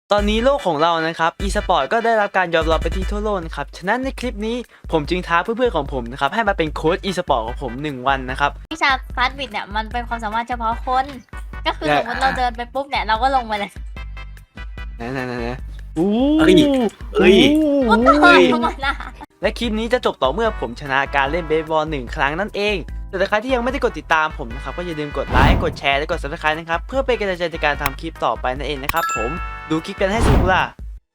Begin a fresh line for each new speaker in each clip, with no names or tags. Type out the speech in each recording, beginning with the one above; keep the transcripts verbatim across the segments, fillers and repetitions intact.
ตอนนี้โลกของเรานะครับ e-sport ก็ได้รับการยอมรับไปที่ทั่วโลกนะครับฉะนั้นในคลิปนี้ผมจึงท้าเพื่อนๆของผมนะครับให้มาเป็นโค้ช e-sport ของผมหนึ่งวันนะครับ
วิชาฟาสต์บิดเนี่ยมันเป็นความสามารถเฉพาะคน ก็คือสมมติเราเดินไปปุ๊บเนี่ยเราก็ลงไปเลย
นะนะนะนะอู้
เฮ้ยเฮ้ย
ปุ๊บก็เฮ้ยเข้ามาละ
และคลิปนี้จะจบต่อเมื่อผมชนะการเล่นเบสบอลหนึ่งครั้งนั่นเองแต่ใครที่ยังไม่ได้กดติดตามผมนะครับก็อย่าลืมกดไลค์กดแชร์และกด ซับสไครบ์ นะครับเพื่อเป็นกำลังใจในการทำคลิปต่อไปนั่นเองนะครับผมดูคลิปกันให้สนุกล่ะ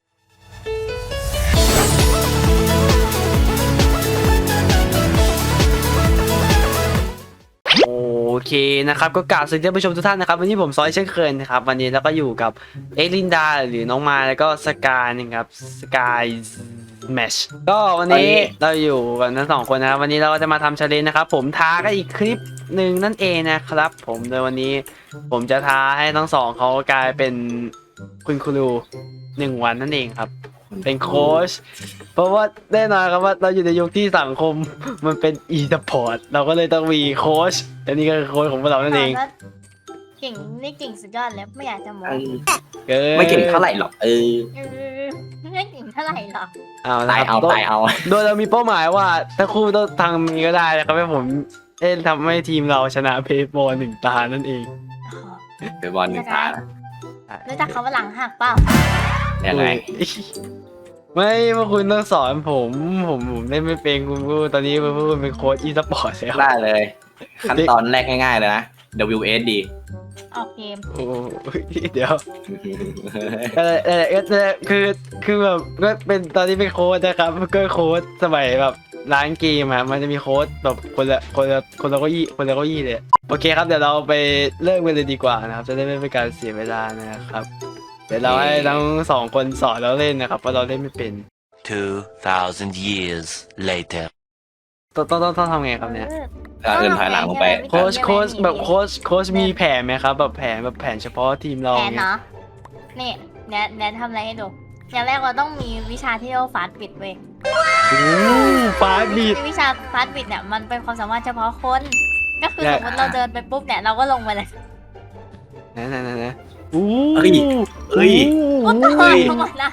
โอเคนะครับก็กล่าวสวัสดีท่านผู้ชมทุกท่านนะครับวันนี้ผมซอยเช่นเคยนะครับวันนี้เราก็อยู่กับเอลินดาหรือน้องมาแล้วก็สกายนะครับสกายแมชก็วันนี้เราอยู่กันทั้งสองคนนะครับวันนี้เราก็จะมาทำชาเลนจ์นะครับผมท้ากันอีกคลิปหนึ่งนั่นเองนะครับผมโดยวันนี้ผมจะท้าให้ทั้งสองเขากลายเป็นคุณครูหนึ่งวันนั่นเองครับเป็นโค้ชเพราะว่าแน่นอนครับว่าเราอยู่ในยุคที่สังคมมันเป็นอีสปอร์ตเราก็เลยต้องมีโค้ชและนี่ก็คือโค้ชของพวกเรานั่นเอง
เก่งนี่เก่งสุดยอดเลยไม่อยากจะมอง
ไม่เก่งเท่าไหร่หรอกเออ
ไม่เก่งเท่าไหร่หรอก
เอา
ตายเอาตายเอา
โดยเรามีเป้าหมายว่าถ้าคู่ต้องทำนี้ก็ได้นะครับให้ผมเอ้ทำให้ทีมเราชนะเพย์บอลหนึ่งตานั่นเอง
เป็นบอลหนึ่งตา
รู้จักคำว่าหลังหักเปล่า
ยังไง
ไม่พวกคุณต้องสอนผมผมผมเล่นไม่เป็นคุณพูดตอนนี้คุณพูดเป็นโค้ชอีสปอร์ตแล้ว
ได้เลยขั้นตอนแรกง่ายๆเลยนะ ดับเบิลยู เอส ดี
ออกเกม
โอ้เดี๋ยวเออเออเออคือคือแบบก็เป็นตอนนี้เป็นโค้ชนะครับก็โค้ชสมัยแบบร้านเกมอะมันจะมีโค้ชแบบคนละคนละคนละเก้าอี้คนละเก้าอี้เลยโอเคครับเดี๋ยวเราไปเริ่มกันเลยดีกว่านะครับจะได้ไม่เป็นการเสียเวลานะครับเดี๋ยวเราให้ทั้งสองคนสอนเราเล่นนะครับเพราะเราเล่นไม่เป็น
two thousand years later
ต้องต้องต้องทำไงครับเนี่ย
เดินถอยหลังลงไป
โค้ชโค้ชแบบโค้ชโค้ชมีแผนไหมครับแบบแผนแบบแผนเฉพาะทีมเรา
แผนเนาะนี่แนทแนททำอะไรให้ดูอย่างแรกเราต้องมีวิชาที่เรียกว่าฟาสต์บิดเว้ย
ฟาสต์บิด
วิชาฟาสต์บิดเนี่ยมันเป็นความสามารถเฉพาะคน ก็คือสมมติเราเดินไปปุ๊บเนี่ยเราก็ลงไปเลย
นะนะนะนะอู้
เฮ้ยเฮ้ย
ปุ๊บก็เฮ้ยเข้ามาละ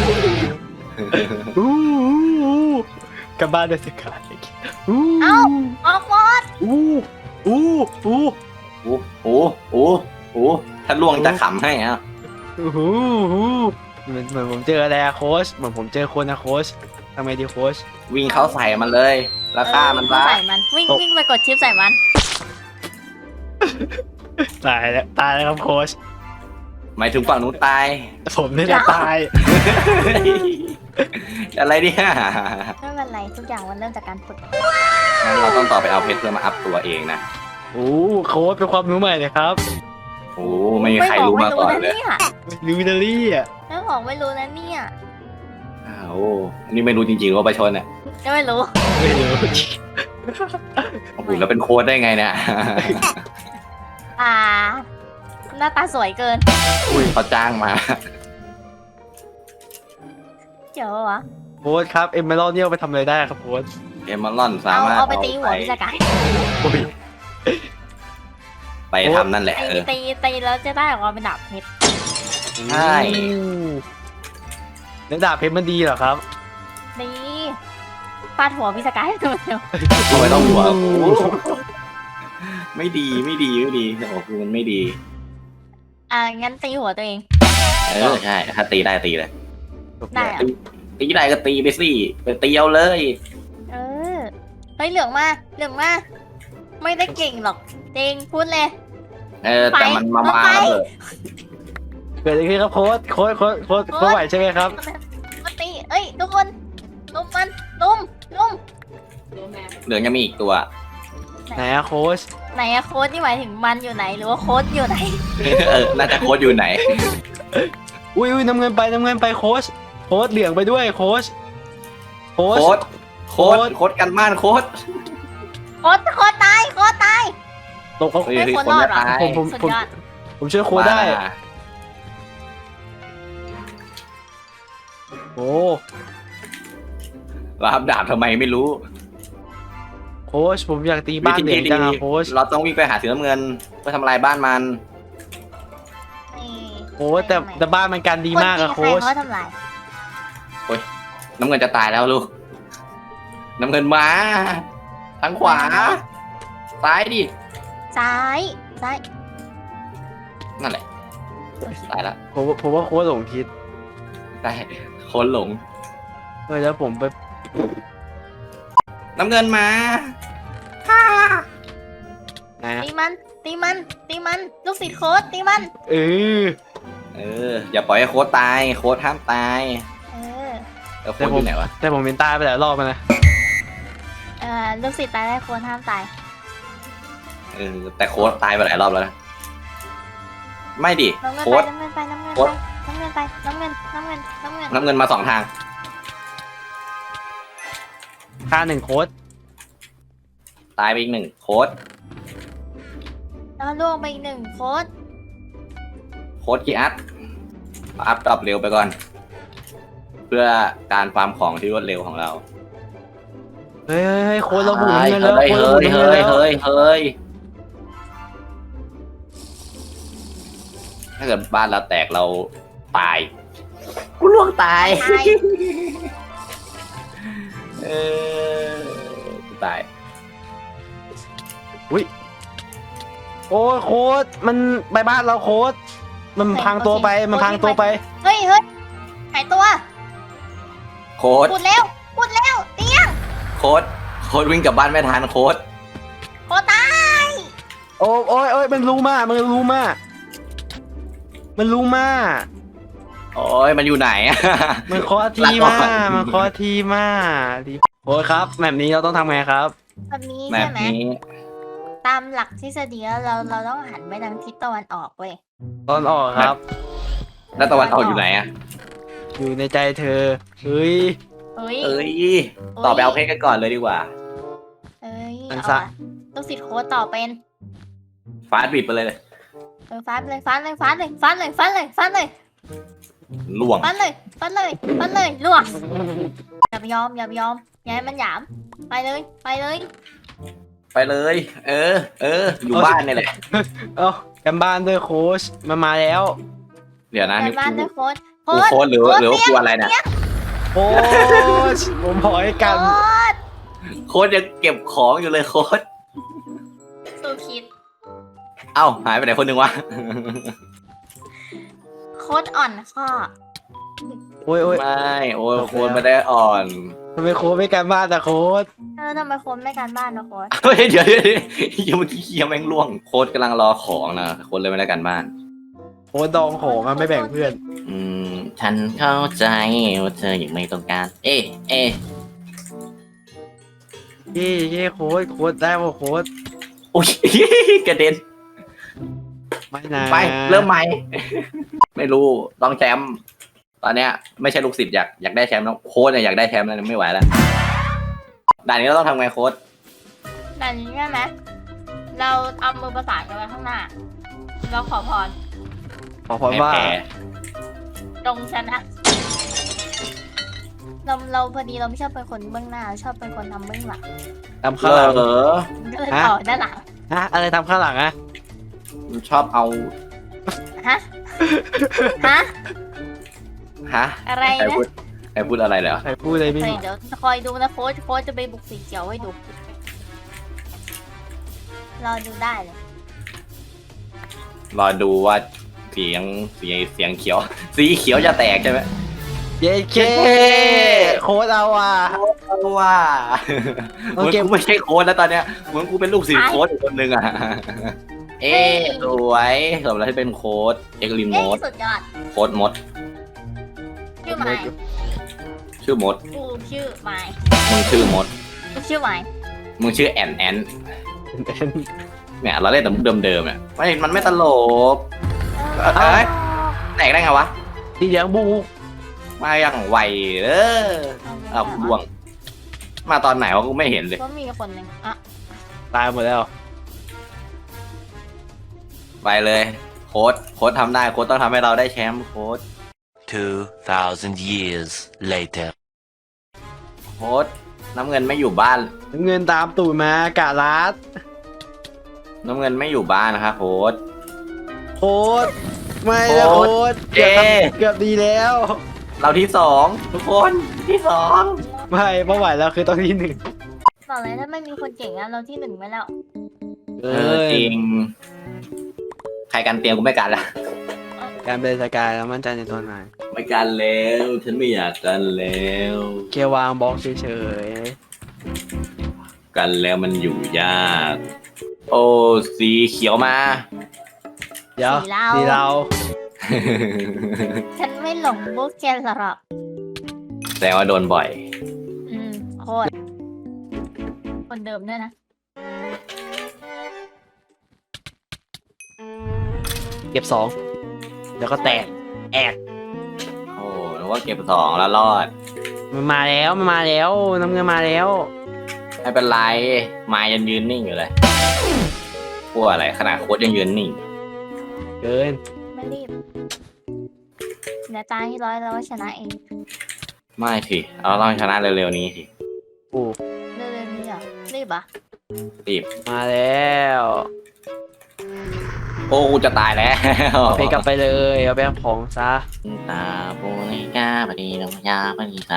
อู้กลับบ้านได้สิครับ
เอ้าออกหมด
อู้อู้อู้
โอ้โหโอ้โหถ้าล่วงจะขำให้อ่ะ
อู้หูเหมือนเหมือนผมเจออะไรอะโค้ชเหมือนผมเจอคนนะโค้ชทำไมดีโค้ช
วิ่งเข้าใส่มันเลยแล้วฆ่ามันซะ
ใส่มันวิ่งวิ่งไปกดชิปใส่มัน
ตายแล้วตายแล้วครับโค้ช
หมายถึงฝั่งนู้นตาย
ผมนี่แหละตาย
อะไรเนี่ย
ไม่เป็นไรทุกอย่างมันเริ่มจากการฝึก
งั้นเราต้องต่อไปเอาเพชรเพื่อมาอัพตัวเองนะ
โอ้โค้ชเป็นความรู้ใหม่เลยครับ
โอ้ไม่มีใครรู้มาก่อนเลย
รู้นะเนี่ย
ไม่บอกไม่รู้นะเนี่ย
อ้าวนี่ไม่รู้จริงๆว่าประชนเนี่ย
ก็ไม่รู้
ไม่รู้
โอ้โหแล้วเป็นโค้ชได้ไงเนี่ย
อ่าหน้าตาสวยเกิน
อุ้ยเขาจ้างมา
เจ๋อวะ
โค้ชครับเอ็มเมอรัลเนี่ยไปทำอะไรได้ครับโค้ช
เอ็มเมอรัลสามารถ
เอาไปตีหัวพิจาร
ไปทำนั่นแหละ
ตีตีตีแล้วจะได้ออกมาเป็นดาบเพชร
ใช่
แล้วดาบเพชรมันดีเหรอครับ
ดีฟาดหัวพิจารณ์ตัวเดียว
ไม่ต้องหัวไม่ดีไม่ดีไม่ดีโอ้คือมันไม่ดี
อ่างั้นตีหัวตัวเอง
เออใช่ถ้าตีได้ตีเลย
ได้
ตีได้ก็ตีไปสิไปตีเอาเลย
เออเฮ้ยเหลืองมาเหลืองมาไม่ได้เก่งหรอกจริงพูดเลย
เออแต่มันมามาแล้วเลย
เกิดอะไรขึ้นครับโค้ชโค้ชโค้ชโค้ชโค้ชไหวใช่ไหมครับ
มาตีเอ้ยทุกคนลุมมันลุมลุม
เหลืองยังมีอีกตัว
ไหนอะโค้ช
ไหนอะโค้ชนี่หมายถึงมันอยู่ไหนหรือว่าโค้ชอยู่ไหน
เออน่าจะโค้ชอยู่ไหน
อุ้ยอุ้ยน้ำเงินไปน้ำเงินไปโค้ชโค้ชเหลืองไปด้วยโค้ช
โค้ชโค้ชโค้ชกันบ้านโค้ช
โค้ชโค้ชตายโค้ชตาย
ตกเขา
ไม่โค้ชรอดหรอ
ผมผมผมผมช่วยโค้ชได้โอ้
รับดาบทำไมไม่รู้
โค้ชผมอยากตีบ้านเด็กจังโค้ช
เราต้องวิ่งไปหาสีน้ำเงินเพื่อทำลายบ้านมัน
โค้อ้แต่แต่บ้านมันกันดีมากอะ
น
โค้
ตี
ช
ใครเขาทำลาย
น้ำเงินจะตายแล้วลูก น้ำเงินมา ทางขวา ซ้ายดิ
ซ้ายซ้าย
นั่นแหละ ตายแล้ว
ผมผมว่าโค้ชหลงทิศ
ได้คนหลง
เฮ้ยแล้วผมไป
น้ำเงินมา
นะ
ตีมันตีมันตีมันลูกศิษย์โค้ดตีมัน
เออ
เออ อย่าปล่อยให้โค้ดตาย โค้ดห้ามตาย
เออ
แล้วโค้ดอยู่ไหนวะ
แต่ผมเป็นตายไปหลายรอบแล้วนะ
เออลูกศิษย์ตายได้โค้ดห้ามตาย
เออ แต่โค้ดตายไปหลายรอบแล้วนะ ไม่ดิ
น้ำเงิน
โค้
ไป
ด
น้ำเงินไปน้ำเงิน
โค้
ไป
ด
น้ำเงินไปน้ำเงินน้ำเงินน้ำเงิน
น้ำเงินมาสองทาง
ค่าหนึ่งโค้ช
ตายไปอีกหนึ่งโค้ด
แล้วล่วงไปอีกหนึ่งโค้ด
โค้ดกีอัพอัพดรอปเร็วไปก่อน เพื่อการฟาร์มของที่รวดเร็วของเรา
เฮ้ยเฮ้ยเฮ้ยโค้ชเราบุก
เฮ้ย
เงินแล้ว
เฮ้ย
โค้ชเรา
เฮ้
บุ
ย
กเงิน
เฮ้ย
แล้ว
เฮ้ยเฮ้ยถ้าเกิดบ้านเราแตกเราตายกูล่วงตาย
ตาย
เออกูตาย
โอ้ยโค้ชมันไปบ้านเราโค้ชมันพังตัวไปมันพังตัวไป
เฮ้ยเฮ้ยหายตัว
โค้ด
พูดแล้วพูดแล้วเตี้ย
โค้ดโค้ดวิ่งกลับบ้านไม่ทันโค้ด
โค้ดตาย
โอ้ยโอ้ยโอ้ยมันรู้มากมันรู้มากมันรู้มาก
โอ้ยมันอยู่ไหนอะ
มันคอทีมากมันคอทีมากทีโอ้ยครับแบบนี้เราต้องทำไงครับ
แบบนี้
แบ
ใช่
บ
ไหม
นี้
ตามหลักทฤษฎีแล้วเราเราต้องหันไปทางทิศตะวันออกเว้ย
ตอนออกครับ
แล้วตะวันออกอยู่ไหนอะ
อยู่ในใจเธอเฮ้ย
เอ้ย
เอ้ยต่อไปเอาเพชรกันก่อนเลยดีกว่า
เอ้ย
อัน
เอา
ซะ
อะลูกศิษย์โค้ดต่อเป็น
ฟาดบิดไปเลย
เออฟันเลยฟันเลยฟันเลยฟันเลยฟันเลยฟันเลย
ล่วง
ฟันเลยฟันเลยฟันเลยลวกอย่าไปยอมอย่าไปยอมอย่าให้มันหยามไปเลยไปเลย
ไปเลย เออ เออ อยู่บ้านนี่แหละ
เอ้ากันบ้านด้วยโค้ชมันมาแล้ว
เดี๋ยวนะ
ไป
นี่
บ้าน
กู
ด้วยโค้ด
กูโค้ดหรือหรือว่ากูอะไรเนี่ย
โค้ชผมพอให้กัน
โค้ด
โค้ดยังเก็บของอยู่เลยโค้ด
สู้คิด
เอ้าหายไปไหนคนหนึ่งวะ
โค้ดอ่อนข้อ
โอ้ยโอ้ย
ไม่ โอ้ยโค้ดไม่ได้อ่อน
ทำไมโค้ชไม่กันบ้านแต่โค้ช
เออทำไมโค้ดไม่การบ้านนะโค้ด
เฮ้ยเดี๋ยวเดี๋ยวเดี๋ยวยังเมื่อกี้เคียแม่งล่วง โค้ดกำลังรอของนะโค้ดเลยไม่ได้กันบ้าน
โค้ชดองของอะไม่แบ่งเพื่อน
อืม ฉันเข้าใจว่าเธอยังไม่ต้องการ เอ๊ะเอ๊ะ
เย่เย่โค้ชโค้ชได้ป่ะโค้ช
โอ้ย กระเด็น
ไม่นะ
ไป เริ่มใหม่ ไม่รู้ ต้องแชมป์ ตอนเนี้ยไม่ใช่ลูกศิษย์อยากอยากได้แชมป์แล้วโค้ชเนี่ยอยากได้แชมป์แล้วไม่ไหวแล้ว ด่านนี้เราต้องทำไงโค้ช
แต่นี้ใช่ไหมเราเอามือประสานกันไว้ข้างหน้า เราขอพร
ขอพรว่า
ให้แพ้
ตรงชนะเราเราพอดีเราไม่ชอบเป็นคนเบื้องหน้าเราชอบเป็นคนทำเบื้องหลัง
ทำข้างหลัง
เหรอ
ก็เลยต่อด้านหลัง
ฮะอะไรทำข้างหลังอะ
ชอบเอา
ฮะฮะ
ฮะ
อะไร
ใคร
นะ
พูดใครพูดอะไรเหรอ
ใครพูดอะไรไม่
เฮ้ย
รู้
เดี๋ยวคอยดูนะโค้ชโค้ชจะไปบุกสีเขียวให้ดูรอดูได้เลย
รอดูว่าเสียงเสียงเสียงเขียว สีเขียวจะแตกใช่ไหม
เย้เคโค้ชเอาอ่ะ
ว่า
โอ
เหมือน
เค
กูไม่ใช่โค้ดแล้วตอนเนี้ยเหมือนกูเป็นลูกศิษย์โค้ดอีกคนนึงอ่ะ เอ๊ะสวยสมแล้วที่เป็นโค้ดเอ็กลินโม
เย้
ด
สุดยอด
โค้ดมด
ชื่อไม้
ชื่อมด
กูชื่อไม้
มึงชื่อมด
กูชื่อไม้
มึงชื่อแอนแอนเนี่ยเราเล่นแต่มุกเดิมๆเนี่ยไม่มันไม่ตลก
เออ
เอ้ย แตกได้ไงวะ
สีเหลืองบุก
มาอย่างไวเอออ้าวดวง มาตอนไหนวะกูไม่เห็นเลย
ก็มีคนหนึ่งอ่ะ
ตายหมดแล้ว
ไปเลย โค้ดโค้ดทำได้โค้ดต้องทำให้เราได้แชมป์โค้ด
Two thousand years later.
โค้ดน้ำเงินไม่อยู่บ้าน
น้ำเงินตามตูดมากะรัด
น้ำเงินไม่อยู่บ้านนะครับโค้ด
โค้ชไม่นะโค้ดเกือบ
เอ๊ะ
เกือบดีแล้ว
เราที่สองทุกคนที่สอง
ไม่เมื่อไหร่แล้วคือต้องที่หนึ่ง
บอกเลยถ้าไม่มีคนเก่งอะเราที่หนึ่งไปแล้ว
เอ
เออจริง ใครกันเตียงกูไม่กันละ
การเป็นสกายแล้วมั่นใจในตัวนาย
ไม่กันแล้ว ฉันไม่อยากกันแล้ว
เกียร์วางบล็อกเฉย
กันแล้วมันอยู่ยาก โอ้สีเขียวมา
ๆเดี๋ยวสีเรา
ฉันไม่หลงบุกแกหรอก
แสดงว่าโดนบ่อย
อืมโคตรคนเดิมด้วยนะ
เก็บสองเดี๋ยวก็แตกแอก
โอ้นึกว่าเก็บสองแล้วรอด
มันมาแล้วมันมาแล้วน้ำเงินมาแล้ว
ไม่เป็นไรไม้ยังยืนนิ่งอยู่เลยกลัวอะไรขนาดโค้ดยังยืนนิ่ง
เกิน
ไม่รีบเดี๋ยวตายที่ร้อยแล้วก็ชนะเอง
ไม่สิเราต้องชนะเร็วๆนี้สิ
กู
เรื่องนี้เหรอรีบอ่ะ
รีบ
มาแล้ว
โอ้กูจะตายแล้ว
เอาไปกลับไปเลยเอาไปเอาของซะ
ตาปูนิกาปดีนงยาปดีตา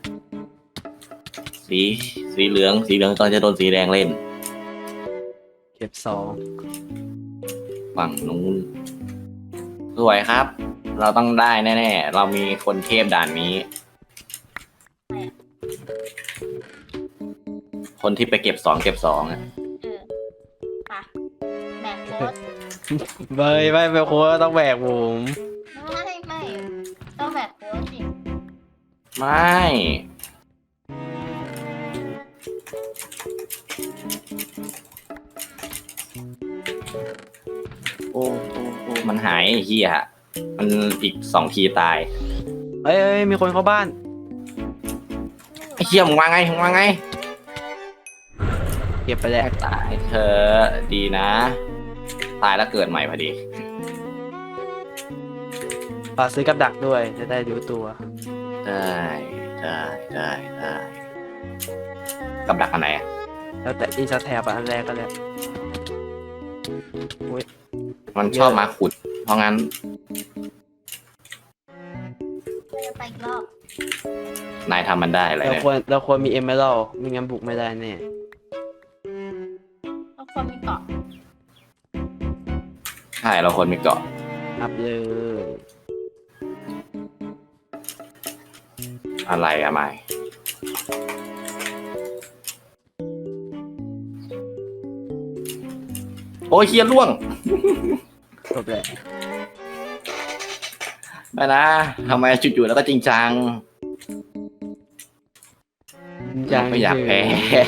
สีสีเหลืองสีเหลืองตอนจะโดนสีแดงเล่น
เก็บสอง
ฝั่งนู้นสวยครับ เราต้องได้แน่ๆเรามีคนเทพด่านนี้ คนที่ไปเก็บสองเก็บสองอะ
เออไปแบกโค้ด
เบยไม่ไปโค้ดต้องแบกผม
ไม่ไม่ต้องแบกโค้ดสิ
ไม่โอ้โอ้โอ้มันหายไอ้เฮียมันอีกสองทีตาย
เอ้ยเอ้ยมีคนเข้าบ้าน
ไอ้เฮียมึงว่าไงมึงว่าไง
เก็บไปแล้ว
ตายเธอดีนะ ตายแล้วเกิดใหม่พอดี
ฝากซื้อกับดักด้วยจะได้รู้ตัว
ได้ได้ได้ได้กับดักอันไหนอะ
แล้วแต่อินสตาแทบอันแรกก็แล้ว
มันชอบมาขุด เพราะงั้น
เราจะไปอีกรอบ
นายทำมันได้อะไร
เรา
เนี่ย
ควรเราควรมีเอเมอรัลไม่งั้นบุกไม่ได้แน่
เราควรมีเกาะ
ใช่เราคนมีเกาะ
อัพเลย
อะไรอะไม่โอ้ยเฮียล่วง
จบแล้ว
ไม่นะทำไมจู่ๆแล้วก็จริงจัง
ยัง
ไม่อยากแพ้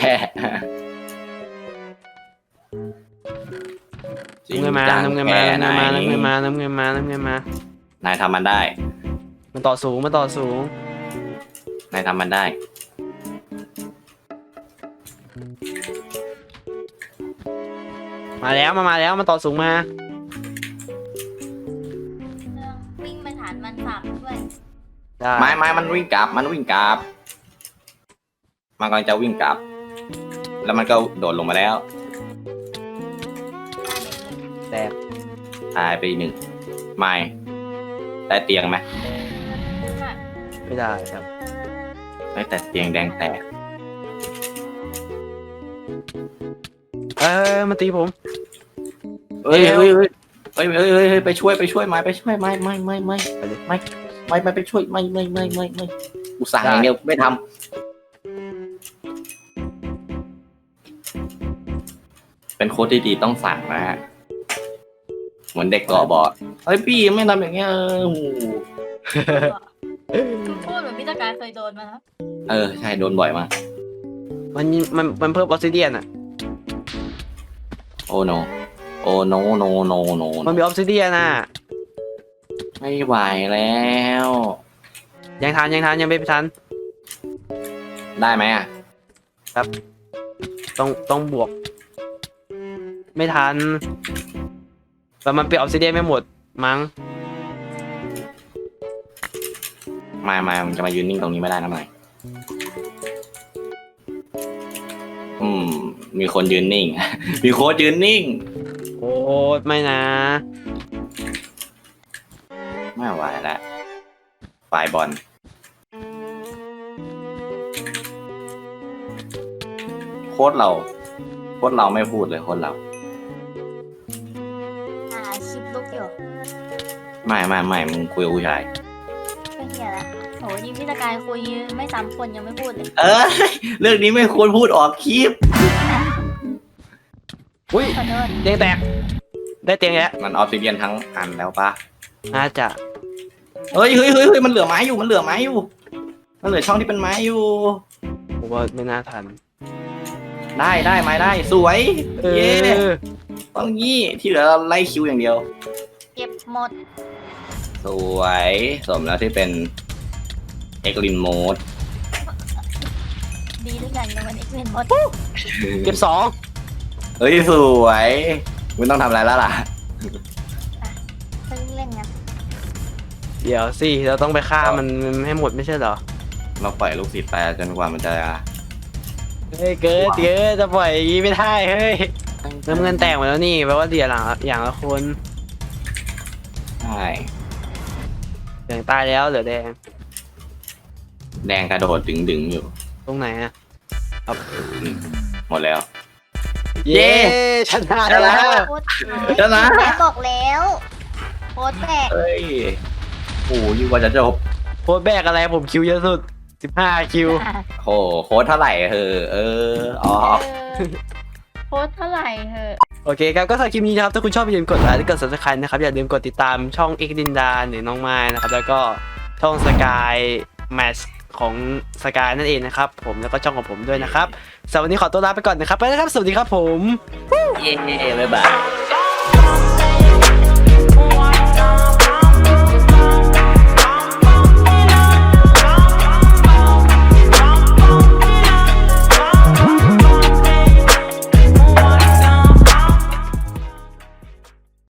จริง
น้ำเงินมา
จัง
น้ำเงินมา
แพ้
น้ำเงินมา
ไห
น้ำเงินมาน้ำเงินมาน้ำเงินมา
นายทำมันได้
มันต่อสูงมันต่อสูง
นายทำมันได้
มาแล้วมามาแล้วมันต่อสูงมา
เรื่องวิ่งไปฐานมันสับด้วย
ได้
ไม้ไม้มันวิ่งกลับ มันวิ่งกลับ มันกำลังจะวิ่งกลับ แล้วมันก็โดดลงมาแล้ว
แตก
ตายไปหนึ่งไม้ได้เตียงไหม
ไม่ได้ครับ
ได้แต่เตียงแดงแตก
เออมาตีผม
เฮ้ยเฮ้ยเฮ้ยเฮ้ยเฮ้ยเฮ้ยเฮ้ยไปช่วยไปช่วยไม้ไปช่วยไม้ไม่ไม่ไม่ไม่ไม่ไม่ไม่ไปช่วยไม่ไม่ไม่ไม่ไม่อุตส่าห์อย่างเดียวไม่ทำเป็นโค้ดที่ดีต้องสั่งนะฮะเหมือนเด็กก่อบอดเฮ้ยพี่ไม่ทำอย่างเงี้ยเออโอ้โห
ทุกพูดเหมือนพิจารเคยโดนมาแล้ว
เออใช่โดนบ่อยมาก
มันมันมันเพิ่มออสซิเดียนอ่ะ
โอ้โนโอ้โนโนโนโน
มันมีออสซิเดียนอ่ะ
ไม่ไหวแล้ว
ยังทันยังทันยังไม่ทัน
ได้ไหมอ่ะ
ต้องต้องบวก ไม่ทันแต่มันเป็นออสซิเดียนไม่หมดมั้ง
มามามันจะมายืนนิ่งตรงนี้ไม่ได้นะไม่อืม มีคนยืนนิ่ง มีโค้ดยืนนิ่ง
โอ้ไม่นะ
ไหวแล้วฝ่ายบอลโค้ชเราโค้ชเราไม่พูดเลยโค้ชเรา
อ่าคลิปลูกอยู่
ไม่ไม่ไม่มึงคุยกับผู้ชาย
เป็นเหี้ยละโหยิ่งพี่ตะกายคุยไม่ซ้ำคนยังไม่พูดเลย
เออเรื่องนี้ไม่ควรพูดออกคลิป
อุ้ย
ขอโทษ
เตียงแตกได้เตียงแล้ว
มันออฟซิเดียนทั้งอันแล้วปะ
น่าจะ
เฮ้ยเฮ้ยเฮ้ยเฮ้ยมันเหลือไม้อยู่มันเหลือไม้อยู่มันเหลือช่องที่เป็นไม้อยู่
ผมว่าไม่น่าทัน
ได้ได้ไม้ได้สวย
เอ
เย้
อ
ต้องยี่ที่เหลือเราไล่คิวอย่างเดียว
เก็บหมด
สวยสมแล้วที่เป็นเอ็กลินโหมด
ดีด้วยกันยังมันเอ็กเวนหมด
เก็บสอง
เฮ้ยสวยมึงต้องทำอะไรแล้วล่ะ
เพิ่งเล่นกัน
เดี๋ยวสิเราต้องไปฆ่ามันให้หมดไม่ใช่เหรอ
เราปล่อยลูกศิษย์ไปจนกว่ามันจะ
เฮ้ยเกิดเกิดจะปล่อยอย่างงี้ไม่ได้เฮ้ยน้ำเงินแตกหมดแล้วนี่แปลว่าเดี๋ยวหลังอย่างละคน
ใช่
อย่างตายแล้วเหลือแดง
แดงกระโดดดึงดึงๆอยู่
ตรงไหนอะ
อืมหมดแล้ว
เย้ชนะแล้ว
โคตร
ชนะ
แม่บอกแล้วโคตรแตก
เฮ้ยโอ้ยว่าจะจบ
โพสต์แบกอะไรผมคิวเยอะสุดสิบห้าคิว
โหโค้ดเท่าไหร่เออเอออ๋อ
เออโคตรเท่าไหร่เหอะ
โอเคครับก็สำหรับคลิปนี้นะครับถ้าคุณชอบอย่าลืมกดไลค์และกด ซับสไครบ์ นะครับอย่าลืมกดติดตามช่องเอ็กดินดาหรือน้องไม้นะครับแล้วก็ช่องสกายแมชของสกายนั่นเองนะครับผมแล้วก็ช่องของผมด้วยนะครับสำหรับวันนี้ขอตัวลาไปก่อนนะครับไปแล้วครับสวัสดีครับผม
เย้บ๊ายบาย